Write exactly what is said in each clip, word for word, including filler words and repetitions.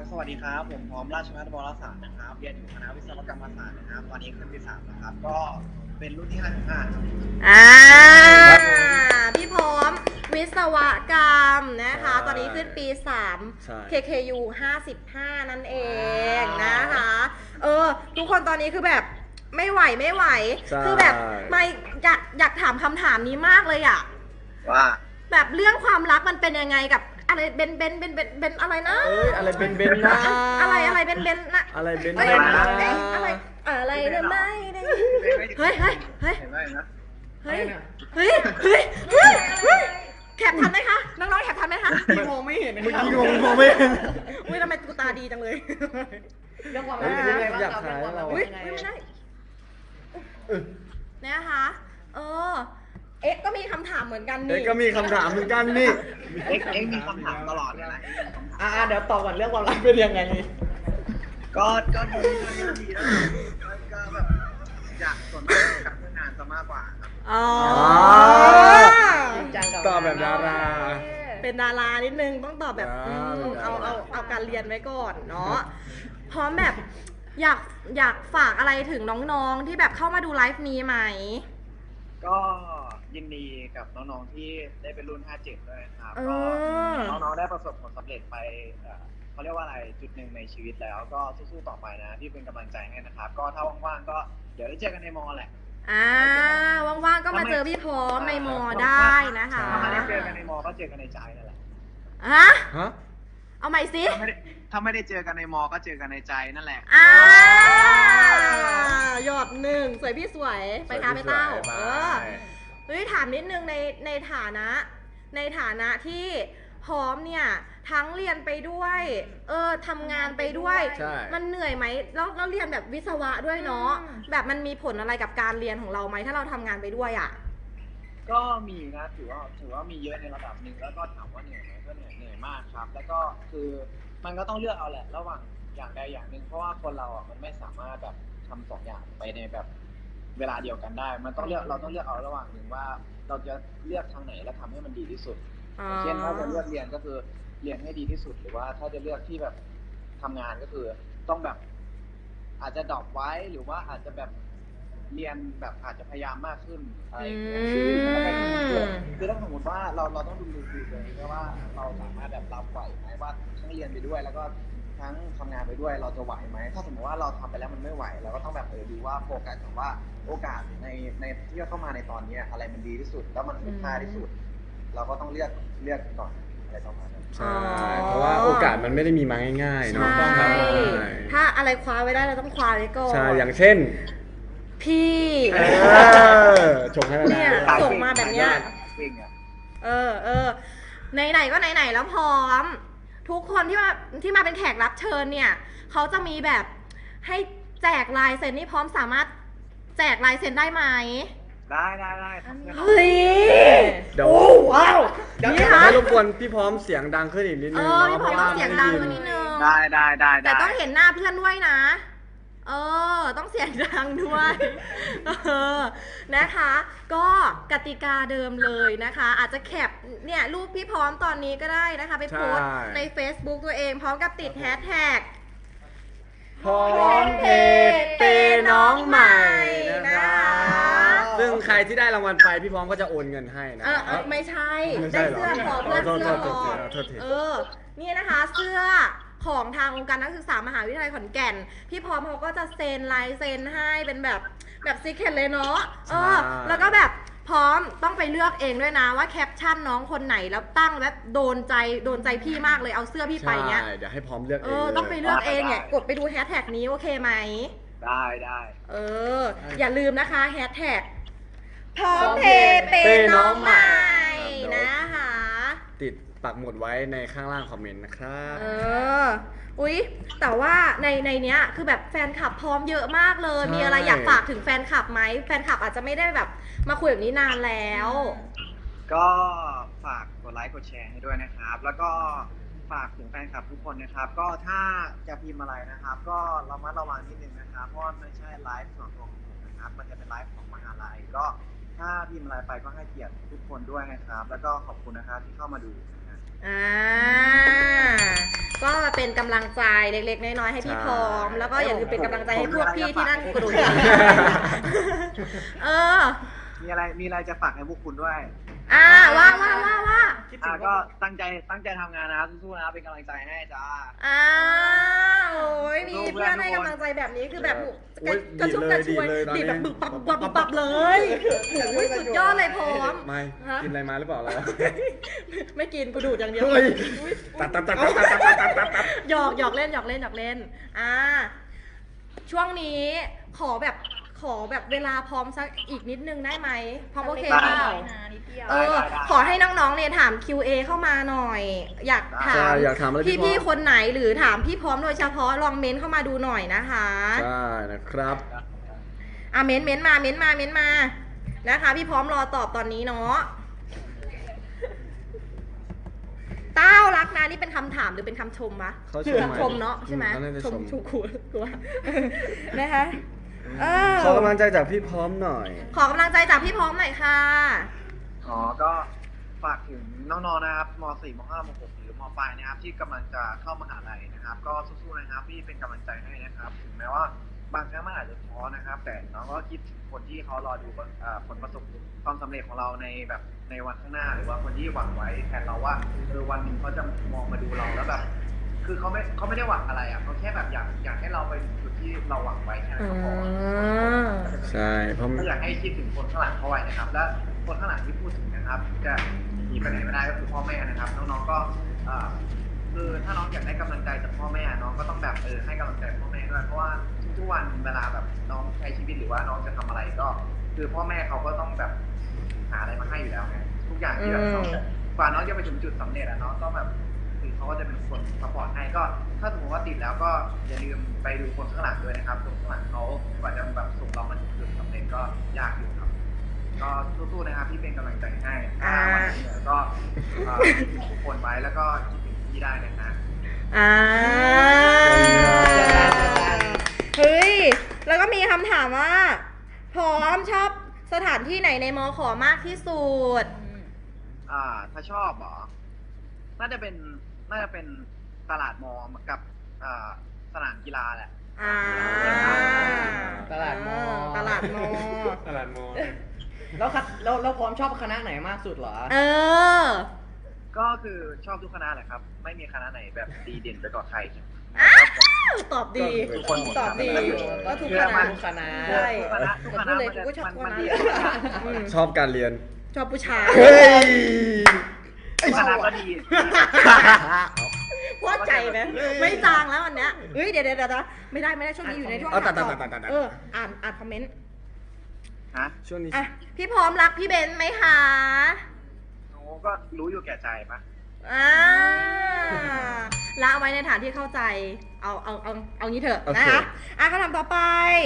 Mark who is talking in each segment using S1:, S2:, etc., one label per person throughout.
S1: สวัสดีครับผมพร้อมราชภัฏวรศาสตร์นะครับเรียนอยู่คณะวิศวกรรมศาสตร์นะครับตอนนี้ขึ้นปีสามนะครับก็เป็นรุ่นที่ห้าสิบห้าครับ
S2: อ่าพี่พร้อมวิศวกรรมนะคะตอนนี้ขึ้นปีสาม เค เค ยู ห้าสิบห้านั่นเองนะคะเออทุกคนตอนนี้คือแบบไม่ไหวไม่ไหวคือแบบไม่อยากอยากถามคำถามนี้มากเลยอะ
S1: ว่า
S2: แบบเรื่องความรักมันเป็นยังไงกับอะไรเบนเบนเบนเบนเบนอะไรนะ
S3: เอ้ยอะไรเบนเบนนะ
S2: อะไรอะไรเบนเบนนะ
S3: อะไรเบนเบ
S2: น
S3: นะ
S2: อะไรอะไรเนี่ยไม่ได้เฮ้ยเฮ้ยเฮ้ยเฮ้ยเฮ้ยเฮ้ยเฮ้ยเฮ้ยแคปทันไหมคะน้องๆแคปทันไหมคะ
S3: มองไม่เห็นเมื่อกี้มองมองไม่เห็น
S2: อุ้ยทำไมกูตาดีจังเลย
S4: เรื่องความรั
S3: กอยากถ่ายเรา
S2: อุ้ยไม่ได้นะคะเออเอ็กก็มีคำถามเหมือนกันนี่
S3: เอ็กก็มีคำถามเหมือนกันนี่
S1: เอ็กเอ็กมีคำถามตลอดเลยนะ
S4: อ่าเดี๋ยวตอบก่อนเรื่องความรักเป็นยังไง
S1: ก็ก็ดีก็ดีนะก็แบบอยากสนใจกับเรื่องงานซะมากกว่าครับ
S2: อ๋อ
S3: ตอบแบบดารา
S2: เป็นดารานิดนึงต้องตอบแบบเอาเอาเอาการเรียนไว้ก่อนเนาะพร้อมแบบอยากอยากฝากอะไรถึงน้องๆที่แบบเข้ามาดูไลฟ์นี้ไหม
S1: ก็ยินดีกับน้องๆที่ได้เป็นรุ่นห้าเจ็ดด้วยนะครับก็น้องๆได้ประสบผลสำเร็จไปเขาเรียกว่าอะไรจุดหนึ่งในชีวิตแล้วก็สู้ๆต่อไปนะที่เป็นกำลังใจให้นะครับก็ถ้าว่างๆก็เดี๋ยวได้เจอกันในมอแหละ
S2: อ่าว่างๆก็มาเจอพี่พร้อมในมอได้นะคะ
S1: ถ้าไม่ได้เจอกันในมอก็เจอกันในใจนั่นแหละ
S2: ฮะ
S3: ฮะ
S2: เอาใหม่สิ
S1: ถ้าไม่ได้เจอกันในมอก็เจอกันในใจนั่นแหละ
S2: อ่ายอดหนึ่งสวยพี่สวยไปค่ะไปเต้าเออเฮ้ยถามนิดนึงในในฐานะในฐานะที่พร้อมเนี่ยทั้งเรียนไปด้วยเออทำงานไปด้วยมันเหนื่อยไหมแล้วเราเรียนแบบวิศวะด้วยเนาะแบบมันมีผลอะไรกับการเรียนของเราไหมถ้าเราทำงานไปด้วยอ่ะ
S1: ก็มีนะถือว่าถือว่ามีเยอะในระดับหนึ่งแล้วก็ถามว่าเหนื่อยไหมก็เหนื่อยเหนื่อยมากครับแล้วก็คือมันก็ต้องเลือกเอาแหละระหว่างอย่างใดอย่างหนึ่งเพราะว่าคนเราอ่ะมันไม่สามารถแบบทำสองอย่างไปในแบบเวลาเดียวกันได้มันต้องเลือกเราต้องเลือกเอาระหว่างหนึ่งว่าเราจะเลือกทางไหนและทำให้มันดีที่สุดเช่นถ้าจะเลือกเรียนก็คือเรียนให้ดีที่สุดหรือว่าถ้าจะเลือกที่แบบทำงานก็คือต้องแบบอาจจะดรอปไว้หรือว่าอาจจะแบบเรียนแบบอาจจะพยายามมากขึ้นอะไรอย่างเงี้ยคือถ้าสมมติว่าเราเราต้องดูดูดูเลยว่าเราสามารถแบบรับไหวไหมว่าทั้งเรียนไปด้วยแล้วก็ทั้งทำงานไปด้วยเราจะไหวไหมถ้าสมมติว่าเราทำไปแล้วมันไม่ไหวเราก็ต้องแบบเออดูว่าโฟกัสกับว่าโอกาสในในที่จะเข้ามาในตอนนี้อะไรมันดีที่สุดแล้วมันคุ้มค่าที่สุดเราก็ต้องเลือกเลือกก่อนอะไรประมาณนั้น
S3: ใช่เพราะว่าโอกาสมันไม่ได้มีมาง่ายๆเนาะ
S2: ถ้าอะไรคว้าไว้ได้เราต้องคว้าไว้ก่อน
S3: ใช่อย่างเช่น
S2: พี่
S3: ชงให้
S2: เนี่ยส่งมาแบบเนี้ยเออเออไหนๆก็ไหนๆแล้วพร้อมทุกคนที่มาที่มาเป็นแขกรับเชิญเนี่ยเขาจะมีแบบให้แจกลายเซ็นนี่พร้อมสามารถแจกลายเซ็นได้ไหม
S1: ได้ได้ได้
S2: เฮ้ย
S3: เดี๋ยว
S2: ว้าว
S3: เดี๋ยวให้รบกวนพี่พร้อมเสียงดังขึ้นอีกนิดนึง
S2: เออพี่พร้อมต้องเสียงดังขึ้นนิดนึง
S1: ได้ได้ได้
S2: แต่ต้องเห็นหน้าเพื่อนด้วยนะเออต้องเสียงดังด้วยเออนะคะก็กติกาเดิมเลยนะคะอาจจะแคปเนี่ยรูปพี่พร้อมตอนนี้ก็ได้นะคะไปโพสต์ใน Facebook ตัวเองพร้อมกับติดแฮชแท็ก
S3: พร้อมเพจเปน้องใหม่นะคะซึ่งใครที่ได้รางวัลไปพี่พร้อมก็จะโอนเงินให้นะ
S2: เออไม่ใช่ได้เสื้อพร้อมเลือกเสื้อพร้อมเออนี่นะคะเสื้อของทางองค์การนักศึกษามหาวิทยาลัยขอนแก่นพี่พร้อมเขาก็จะเซ็นลายเซ็นให้เป็นแบบแบบซีเคร็ตเลยเนาะเออแล้วก็แบบพร้อมต้องไปเลือกเองด้วยนะว่าแคปชั่นน้องคนไหนแล้วตั้งแบบโดนใจโดนใจพี่มากเลยเอาเสื้อพี่ไปเนี้ย
S3: เดี๋ยวให้พร้อมเลือกเอง
S2: เออต้องไปเลือกเองเนี่ยกดไปดูแฮชแท็กนี้โอเคไหม
S1: ได้ได้
S2: เอออย่าลืมนะคะแฮชแท็กพร้อมเพย์เปน้องใหม่นะคะ
S3: ติดปักหมุดไว้ในข้างล่างคอมเมนต์นะครับ
S2: เอออุ๊ยแต่ว่าในในเนี้ยคือแบบแฟนคลับพร้อมเยอะมากเลยมีอะไรอยากฝากถึงแฟนคลับไหมแฟนคลับอาจจะไม่ได้แบบมาคุยแบบนี้นานแล้ว
S1: ก็ฝากกดไลค์กดแชร์ให้ด้วยนะครับแล้วก็ฝากถึงแฟนคลับทุกคนนะครับก็ถ้าจะพิมพ์อะไรนะครับก็ระมัดระวังนิดนึงนะครับเพราะไม่ใช่ไลฟ์ส่วนตัวของผมนะครับมันจะเป็นไลฟ์ของมหาลัยก็ถ้าพิมพ์อะไรไปก็ให้เกียรติทุกคนด้วยนะครับแล้วก็ขอบคุณนะครับที่เข้ามาดูนะครับ
S2: อ่าก็มาเป็นกำลังใจเล็กๆน้อยๆให้พี่พร้อม แล้วก็อย่าลืมเป็นกำลังใจให้พวกพี่ที่นั่งกระโดดเออ
S1: มีอะไรมีอะไรจะฝากให้พวกคุณด้วย
S2: อ่าว่าว่าว่าว่า
S1: อ่าก็ตั้งใจตั้งใจทำงานนะครับสู้ๆนะครับเป็นกำลังใจให้จ้า
S2: อ่าโอ้ยมีเพื่อนให้กำลังใจแบบนี้คือแบบ
S3: โอ้ย
S2: กระชุ่มกระชวย
S3: ดีดเลยดีดเลย
S2: ดีดแบบ
S3: ตอนนี้
S2: บึกปับปับปับปับเลยโอ้ยสุดยอดเลยพร้อม
S3: ไม่
S2: ฮะ
S3: กินอะไรมาหรือเปล่าเรา
S2: ไม่กินกูดูดอย่างเดียว
S3: เฮ้ย
S2: อุ๊ย
S3: ตัดตัดตัดตัดตัดตัดตัดตัดตัด
S2: หยอกหยอกเล่นหยอกเล่นหยอกเล่น อ่า ช่วงนี้ขอแบบขอแบบเวลาพร้อมสักอีกนิดนึงได้ไหมพร้อมโอเคเปล่า เออ ขอให้น้องๆเนี่ยถาม คิว เอ เข้ามาหน่อย อยากถา
S3: ใช่
S2: ม
S3: อยากถามอะไรพี่พร้อม
S2: พี่ๆคนไหนหรือถามพี่พร้อมโดยเฉพาะลองเม้นเข้ามาดูหน่อยนะคะ
S3: ใช่นะครับ
S2: อ่ะเม้นเม้นมาเม้นมาเม้นมานะคะ พี่พร้อมรอตอบตอนนี้เนาะเต้ารักนะนี่เป็นคำถามหรือเป็นคำชมวะ
S3: เขาชม
S2: คำชมเนาะใช่ไหม
S3: เขาน่าจะ
S2: ช
S3: ช
S2: ม
S3: ม
S2: ชูคูกูว่านะคะเออ
S3: ขอกำลังใจจากพี่พร้อมหน่อย
S2: ขอกำลังใจจากพี่พร้อมหน่อยค่ะ
S1: อ๋อ ก็ฝากถึงน้องๆ นะครับม .สี่ ม .ห้าม .หก หรือม ปลายนะครับที่กำลังจะเข้ามหาลัยนะครับ ก็สู้ๆ นะครับพี่เป็นกำลังใจให้นะครับ ถึงแม้ว่าบางครั้งมันอาจจะท้อนะครับ แต่น้องก็คิดถึงคนที่เขารอดูเอ่อผลประสบความสำเร็จของเราในแบบในวันข้างหน้า หรือว่าคนที่หวังไว้แทนเราว่าเออวันหนึ่งเขาจะมองมาดูเราแล้วแบบคือเขาไม่เขาไม่ได้หวังอะไรอ่ะเขาแค่แบบอยากอยากให้เราไปถึงจุดที่เราหวังไว้แค่นั้นก็พอ
S3: ใช่เพราะ
S1: ก็อยากให้คิดถึงคนข้างหลังเขาไว้นะครับ และคนข้างหลังที่พูดถึงนะครับ จะหนีไปไหนไม่ได้ก็คือพ่อแม่นะครับน้องๆก็เอ่อคือถ้าน้องอยากได้กำลังใจจากพ่อแม่น้องก็ต้องแบบเออให้กำลังใจพ่อแม่ด้วยเพราะว่าทุกๆวันเวลาแบบน้องใช้ชีวิตหรือว่าน้องจะทำอะไรก็ คือพ่อแม่เขาก็ต้องแบบหาอะไรมาให้อยู่แล้วไงทุกอย่างที่แบบน้องจะกว่าน้องจะไปถึงจุดสำเร็จอะน้องต้องแบบคือเขาก็จะเป็นคนซัพพอร์ตให้ก็ ถ้าสมมติว่าติดแล้วก็อย่าลืมไปดูคนข้างหลังด้วยนะครับคนข้างหลังเขากว่าจะแบบส่งเรามาถึงจุดสำเร็จก็ยากอยู่ครับ ก็สู้ๆนะครับพี่เป็นกำลังใจให้ถ้าวันนี้เหนื่อยก็เอ่อคิดถึงทุกคนไว้แล้วก็คิดถึงพี่ได้นะฮะ
S2: อ่าเฮ้ย แล้วก็มีคำถามว่า พร้อมชอบสถานที่ไหนในมอขอมากที่สุด
S1: อ่า ถ้าชอบเหรอ น่าจะเป็น น่าจะเป็นตลาดมอกับอ่าสนามกีฬาแหละ
S2: อ่า
S4: ตลาดมอ
S2: ตลาดมอ
S3: ตลาดมอ
S4: แล้วคัดแล้วแล้วพร้อมชอบคณะไหนมากสุดเหรอ
S2: เออ
S1: ก็คือชอบทุกคณะแหละครับ ไม่มีคณะไหนแบบดีเด่นไปกว่าใคร
S2: อ้าวตอบดี
S1: ทุกคนหมด
S2: ตอบดี
S4: ก็ทุก
S1: เชื่
S4: ค
S1: อมั
S4: ณะ
S1: น
S4: ทุกคณะ
S2: ใช่
S1: ทุกคณะทุกคณะ
S2: เลย
S1: มันจะ
S2: กูก็ชอบ
S1: มัน
S2: คณะ
S1: มันดี
S2: อืม
S3: ชอบการเรียน
S2: ชอบผู้ชาย
S3: เฮ้ย
S1: ทุกคณะก็ดี
S2: พอใจไหมไม่จางแล้วอันเนี้ยเฮ้ยเดี๋ยวเดี๋ยวเดี๋ยวไม่ได้ไม่ได้ช่วงนี้อยู่ในช่วง
S3: เอาตัด
S2: ถาม
S3: ตัด
S2: ตอบ
S3: ตัดตัดตัด
S2: เอออ่านอ่านคอมเมนต์
S1: ฮะ
S3: ช่วงนี้
S2: อ่ะพี่พร้อมรักพี่เบนซ์ไหมคะ
S1: โอ้ก็รู้อยู่แก่ใจปะ
S2: อ่าละเอาไว้ในฐานที่เข้าใจ เอาเอาเอาเอางี้เถอะนะคะอ่ะคำถามต่อไป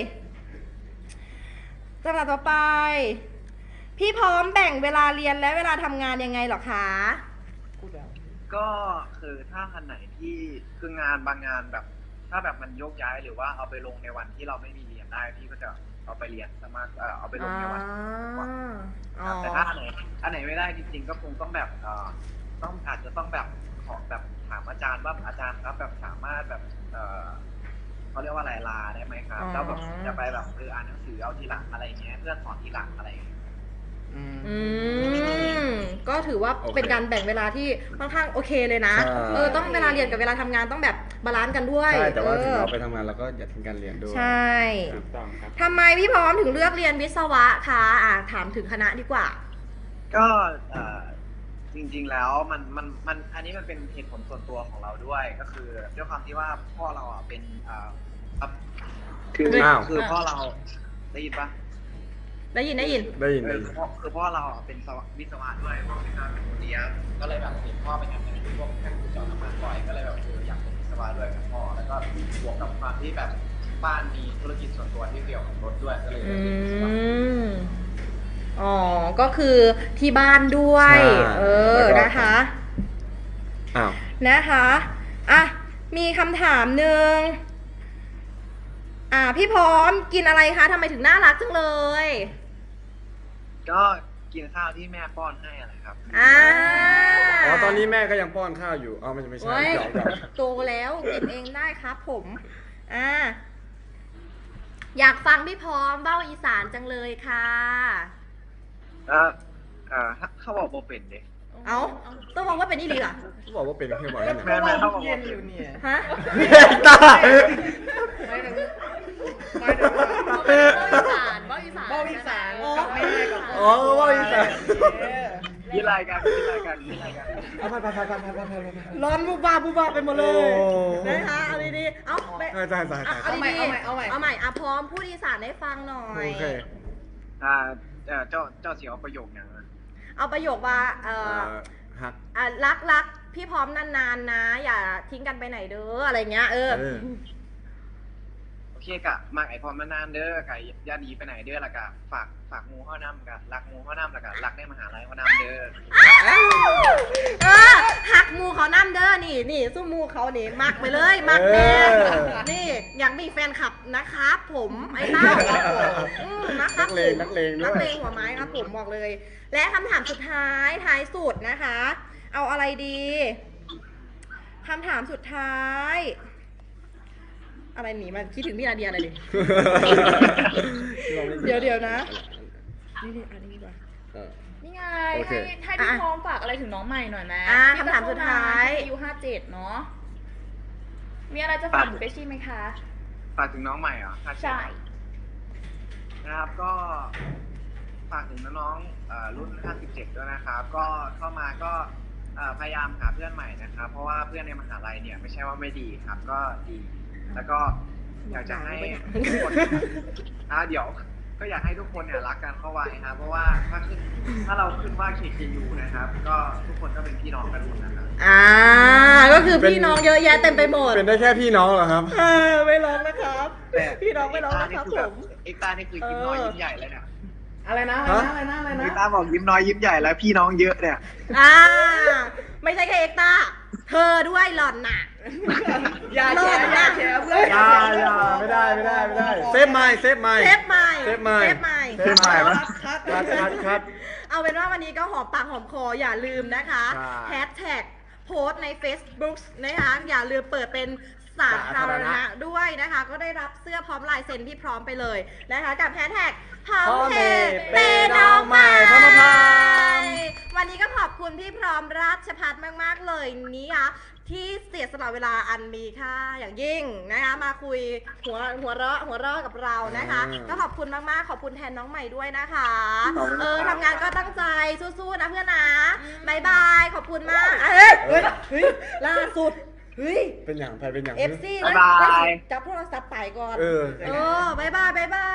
S2: คำถามต่อไป พี่พร้อมแบ่งเวลาเรียนและเวลาทำงานยังไงเหรอคะ
S1: ก็คือถ้าอันไหนที่คืองานบางงานแบบ ถ้าแบบมันยกย้ายหรือว่าเอาไปลงในวันที่เราไม่มีเรียนได้พี่ก็จะเอาไปเรียนสามารถเอ่อเอาไปลงในวันก่อน
S2: อ๋อ
S1: แต่ถ้าอันไหนอันไหนไม่ได้จริงๆก็คงต้องแบบเอ่อต้องอาจจะต้องแบบขอแบบถามอาจารย์ว่าอาจารย์ครับแบบสามารถแบบเอ่อเขาเรียกว่าอะไรลาได้ไหมครับแล้วแบบจะไปแบบเอออ่านหนังสือเอาทีหลังอะไรเงี้ยเพื่อนสอนทีหลังอะไรอย่างเงี้ย
S4: อืม
S2: อืมก็ถือว่าเป็นการแบ่งเวลาที่ค่อนข้างโอเคเลยนะ
S3: ใช่
S2: เออต้องเวลาเรียนกับเวลาทำงานต้องแบบบาลานซ์กันด้วย
S3: ใช่แต่ว่าถึง
S2: ออ
S3: เราไปทำงานเราก็อย่าทิ้งการเรียนด้วย
S2: ใช่
S3: ถูกต้องครับ
S2: ทำไมพี่พร้อมถึงเลือกเรียนวิศวะคะอ่ะถามถึงคณะดีกว่า
S1: ก็เอ่อจริงๆแล้วมันมันมันอันนี้มันเป็นเหตุผลส่วนตัวของเราด้วย ก็คือด้วยความที่ว่าพ่อเราอ่ะเป็นเอ่อครับคือ
S3: อ้าว
S1: คือพ่อเราได้ยินปะ
S2: ได้ยินได้ยิน
S3: ได้ยิน
S1: เอ
S3: ได้
S1: อ
S3: ยิ
S1: คื
S3: น
S1: อพ่อคือพ่อเราอ่ะเป็นวิศวะด้วยพ่อเป็นการเป็นคนเรียนก็เลยแบบเห็นพ่อเป็นงานในพวกแค่ขุดเจาะน้ำมันบ่อยก็เลยแบบเอออยากเป็นวิศวะด้วยกับพ่อแล้วก็บวกกับความที่แบบบ้านมีธุรกิจส่วนตัวที่เกี่ยวกับรถด้วยก็เลยเลื
S2: อื
S1: อกเรียนวิศวะ
S2: มอ๋อก็คือที่บ้านด้วย
S3: ใช่
S2: เออ
S3: แล้วก็
S2: นะคะ
S3: อ้าว
S2: นะคะอ่ะมีคำถามหนึ่งอ่าพี่พร้อมกินอะไรคะทำไมถึงน่ารักจังเลย
S1: ก็กินข้าวที่แม่ป้อนให้อะไรครับ
S2: อ่า
S3: อ๋อตอนนี้แม่ก็ยังป้อนข้าวอยู่อ๋อไม่ไม่ใช่
S2: โอ้ย
S3: หยอกหยอก
S2: โตแล้วกินเองได้ครับผม อ่า อยากฟังพี่พร้อมเบ้าอีสานจังเลยค่ะ
S1: เออเออเขาบอกโบเป็นเด็ก
S2: เอาต้องบอกว่าเป็นนี่ดีเหรอ
S3: เขาบอกว่าเป็นแค่บอกนั่น
S1: แม่
S3: น่ะ
S1: แม่เขาบอก
S4: เย็
S1: ว่าน
S4: อยู่เนี่ย
S2: ฮะ
S3: ตา
S4: ไม่ถึงไม่ถึงว่า
S5: เบ้าอีสาน
S4: เบ้าอีสานกับแม่กับพ่
S3: อ๋อว่าอีสาน
S1: ยี่ไรกันยี่ไรกันยี่ไรกัน
S3: เอาไปไปไปไปไปไปไปไป
S2: ร้อนบูบาบูบาไปหมดเลย
S3: โอ้
S2: นะคะเอาดีๆเอาไป
S3: ใช่ใช่ใช่
S2: เอา
S3: ใช่
S2: เอาดีๆ
S4: เอาใหม่เอาใหม่
S2: เอาใหม่อ่ะพร้อมพูดอีสานให้ฟังหน่อย
S3: โอเค
S1: อ่าเอ่อเจ้าเจ้าเสียวประโยคอย่างนะ
S2: เอาประโยคว่าเอ่อ
S3: เอ่อหัก
S2: อ่ะรักรักพี่พร้อมนานๆนะ อย่าทิ้งกันไปไหนเด้ออะไรเงี้ยเออ
S3: เออ
S1: โอเคกะมากไอพอมนานๆเด้อกะย่าดีไปไหนเด้อละกะฝากฝากงูข้าวน้ำกะรักงูข้าวน้ำละกะรักในมหาลัยข้าวน้ำเด้อ
S2: เออหักหมูเขานั่นเด้อนี่นี่สู้หมูเขานี่มักไปเลยมักแน่
S3: เออ
S2: นี่อยากมีแฟนคลับนะครับผมไอ้เต้าอืมนะครับ
S3: นักเลง
S2: ผม
S3: นักเลงด้วย
S2: นักเลงหัวไม้ครับผมบอกเลย และคำถามสุดท้ายท้ายสุดนะคะ เอาอะไรดีคำถามสุดท้าย อะไรหนีมาคิดถึงพี่นาเดียอะไรดิ เดี๋ยวเดี๋ยวนะนี่นี่อันนี้ดีกว่า
S3: เออ
S5: นี่ไง
S3: โอเค
S5: ให้ให้พี่พร้อมฝากอะไรถึงน้องใหม่หน่อยไหม
S2: อ่ะ
S5: ที่
S2: คำถามสุดท้าย
S5: ที่อายุห้าเจ็ดเนาะ มีอะไรจะฝากถึงเปชชี่ไหมคะ
S1: ฝากถึงน้องใหม่เหรอ
S5: ใช่
S1: นะครับก็ฝากถึงน้องๆเอ่อรุ่นห้าสิบเจ็ดด้วยนะครับ ก็เข้ามาก็เอ่อพยายามหาเพื่อนใหม่นะครับ เพราะว่าเพื่อนในมหาลัยเนี่ยไม่ใช่ว่าไม่ดีครับ ก็ดี แล้วก็อยากจะให้ทุกคนอ่าเดี๋ยว ก็อยากให้ทุกคนเนี่ยรักกันเข้าไว้ครับ เพราะว่าถ้าขึ้นถ้าเราขึ้นว่า เค เค ยู นะครับ ก็ทุกคนก็เป็นพี่น้องกันหมดนะครับ
S2: อ่าก็คือพี่น้องเยอะแยะเต็มไปหมด
S3: เป็นได้แค่พี่น้องเหรอครับ
S2: เออไม่ร้องนะครับ พี่น้องไม่ร้องนะครับผม
S1: เอ็กตานี่คือยิ้มน้อยยิ้มใหญ่เลยเนี่ย
S4: อะไรนะอะไรนะอะไรนะอะไร
S1: เอ็ก
S4: นะ
S1: ตาบอกยิ้มน้อยยิ้มใหญ่แล้วพี่น้องเยอะเนี่ย
S2: อ่า ไม่ใช่แค่เอ็กตาเธอด้วยหล่อนน่ะ
S4: อย่าแชร์อย่าแชร์เพื่อน
S3: อย่าอย่าไม่ได้ไม่ได้ไม่ได้ เซฟไม่เซฟไม่
S2: เซฟใหม่
S3: เซฟไม่
S2: เซฟใหม่
S3: เซฟใหม่ปะ
S4: คัด
S3: คัดคัดคัด
S2: เอาเป็นว่าวันนี้ก็หอมปากหอมคออย่าลืมนะคะ
S3: ใช่
S2: แฮชแท็กโพสต์ใน Facebook นะคะอย่าลืมเปิดเป็นสาธารณะด้วยนะคะ ก็ได้รับเสื้อพร้อมลายเซ็นที่พร้อมไปเลยนะคะกับแฮชแท็กพร้อมเพย์เปย์น้องใหม่
S3: พร้อมพร้อม
S2: วันนี้ก็ขอบคุณพี่พร้อมราชพัฒน์มาก ๆ เลยนี้ค่ะที่เสียสละเวลาอันมีค่าอย่างยิ่งนะคะมาคุยหัวหัวเราะหัวเราะกับเรานะคะ
S3: อืม
S2: ก็ขอบคุณมาก ๆ ขอบคุณแทนน้องใหม่ด้วยนะคะ
S1: ขอบคุณครับ
S2: เออทำงานก็ตั้งใจสู้ๆนะเพื่อนนะบายบายขอบคุณมากเฮ้ยเฮ้ยเฮ้ยล่าสุดเฮ้ย
S3: เป็นอย่างใครเป็นอย่าง
S2: เอฟซี
S1: บ๊ายบาย
S2: จับโทรศัพท์ไปก่อน
S3: เออ
S2: เออบายบายบายบา